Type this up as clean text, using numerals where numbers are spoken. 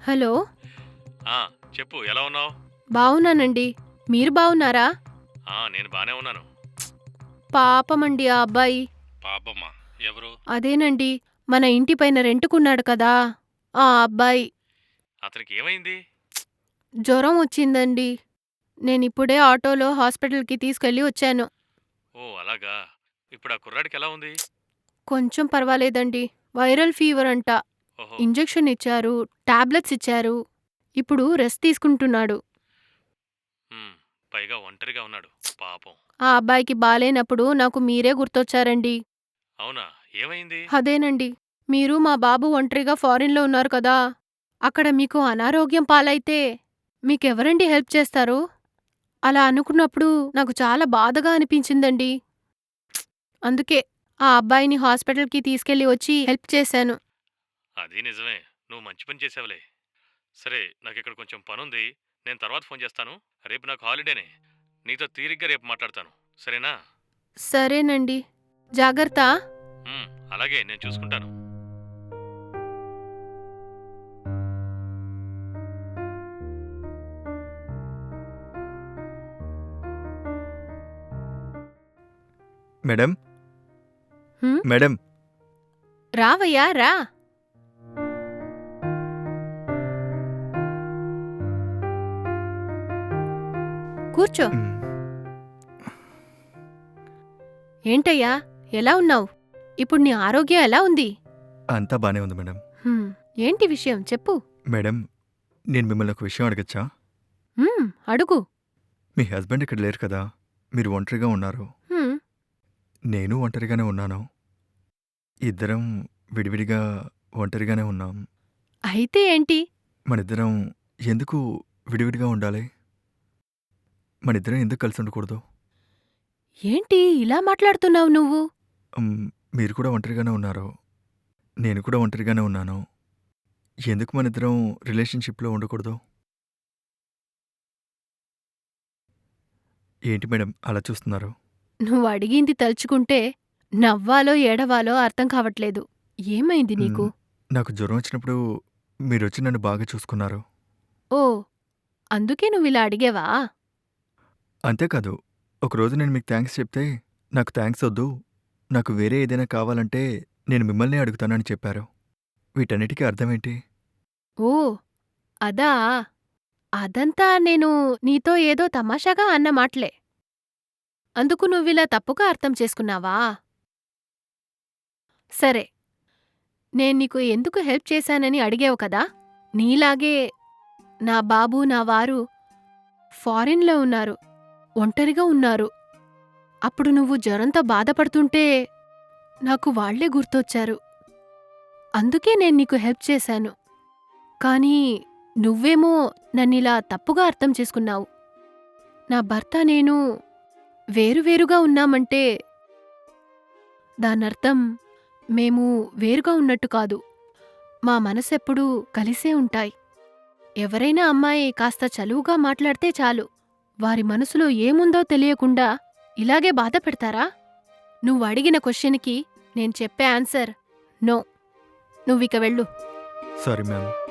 Hello! ఆ! చెప్పు ఎలా ఉన్నావు? బావున్నానండి. మీరు బావున్నారా? నేను బానే ఉన్నాను. పాపమండి ఆ అబ్బాయి. పాపమ్మా! ఎవరు? అదేనండి, మన ఇంటి పైన రెంట్‌కున్నాడు కదా! ఆ అబ్బాయి. అతనికి ఏమైంది? జ్వరం వచ్చిందండి. నేనిప్పుడే ఆటోలో హాస్పిటల్‌కి తీసుకెళ్ళి వచ్చాను. ఓహ్! అలాగా. ఇప్పుడు ఆ కుర్రాడికి ఎలా ఉంది? కొంచెం పర్వాలేదండి. వైరల్ ఫీవర్ అంట. ఓహో! ఇంజెక్షన్ ఇచ్చారు, టాబ్లెట్స్ ఇచ్చారు. ఇప్పుడు రెస్ట్ తీసుకుంటున్నాడు. హ్మ్. పైగా ఒంటరిగా ఉన్నాడు. పాపం. ఆ అబ్బాయికి బాలేనప్పుడు నాకు మీరే గుర్తొచ్చారండి. అవునా? ఏమైంది? అదేనండి. మీరు మా బాబు ఒంటరిగా ఫారిన్‌లో ఉన్నారు కదా! అక్కడ మీకు అనారోగ్యం పాలైతే మీకెవరండి హెల్ప్ చేస్తారు? అలా అనుకున్నప్పుడు నాకు చాలా బాధగా అనిపించిందండి. అందుకే ఆ అబ్బాయిని హాస్పిటల్‌కి తీసుకెళ్ళి వచ్చి హెల్ప్ చేశాను. అది నిజమే. నువ్వు మంచి పని చేసావులే. సరే, నాకిక్కడ కొంచెం పనుంది. నేను తర్వాత ఫోన్ చేస్తాను. రేపు నాకు హాలిడేనే. నీతో తీరిగ్గా రేపు మాట్లాడతాను. సరేనా? సరేనండి. జాగర్త. హ్మ్. అలాగే నేను చూసుకుంటాను. మేడం, హ్మ్. మేడం. రావయ్యా రా. కూర్చో. హ్మ్. ఏంటయ్యా? ఎలా ఉన్నావు? ఇప్పుడు నీ ఆరోగ్యం ఎలా ఉంది? అంతా బానే ఉంది మేడం. హ్మ్. ఏంటి విషయం చెప్పు. మేడం, నేను మిమ్మల్ని ఒక విషయం అడగచ్చా? అడుగు. మీ హస్బెండ్ ఇక్కడ లేరు కదా! మీరు ఒంటరిగా ఉన్నారు. హ్మ్. నేను ఒంటరిగానే ఉన్నాను. ఇద్దరం విడివిడిగా ఒంటరిగానే ఉన్నాం. అయితే ఏంటి? మనిద్దరం ఎందుకు విడివిడిగా ఉండాలి? మనిద్దరం ఎందుకు కలిసి ఉండకూడదు? ఏంటి ఇలా మాట్లాడుతున్నావు నువ్వు? హ్మ్. మీరు కూడా ఒంటరిగానే ఉన్నారు. నేను కూడా ఒంటరిగానే ఉన్నాను. ఎందుకు మనిద్దరం రిలేషన్‌షిప్‌లో ఉండకూడదు? ఏంటి మేడం అలా చూస్తున్నారు? నువ్వు అడిగింది తలుచుకుంటే నవ్వాలో ఏడవాలో అర్థం కావట్లేదు. ఏమైంది నీకు? హ్మ్. నాకు జ్వరం వచ్చినప్పుడు మీరొచ్చి నన్ను బాగా చూసుకున్నారు. ఓ, అందుకే నువ్విలా అడిగావా? అంతేకాదు, ఒకరోజు నేను మీకు థాంక్స్ చెప్తే, నాకు థాంక్స్ ఒద్దు, నాకు వేరే ఏదైనా కావాలంటే నేను మిమ్మల్నే అడుగుతానని చెప్పారు. వీటన్నిటికి అర్థమేంటి? ఓ, అదా? అదంతా నేను నీతో ఏదో తమాషాగా అన్న మాటలే. అందుకు నువ్విలా తప్పుగా అర్థం చేసుకున్నావా? సరే, నేన్నీకు ఎందుకు హెల్ప్ చేశానని అడిగావు కదా! నీలాగే నా బాబు, నా వారు ఫారిన్‌లో ఉన్నారు. ఒంటరిగా ఉన్నారు. అప్పుడు నువ్వు జ్వరంతో బాధపడుతుంటే నాకు వాళ్ళే గుర్తొచ్చారు. అందుకే నేన్నీకు హెల్ప్ చేశాను. కానీ నువ్వేమో నన్నిలా తప్పుగా అర్థం చేసుకున్నావు. నా భర్త నేను వేరువేరుగా ఉన్నామంటే దానర్థం మేము వేరుగా ఉన్నట్టు కాదు. మా మనసెప్పుడూ కలిసే ఉంటాయి. ఎవరైనా అమ్మాయి కాస్త చనువుగా మాట్లాడితే చాలు, వారి మనసులో ఏముందో తెలియకుండా ఇలాగే బాధ పెడతారా? నువ్వడిగిన క్వశ్చన్‌కి నేను చెప్పే ఆన్సర్ నో. నువ్విక వెళ్ళు. Sorry ma'am.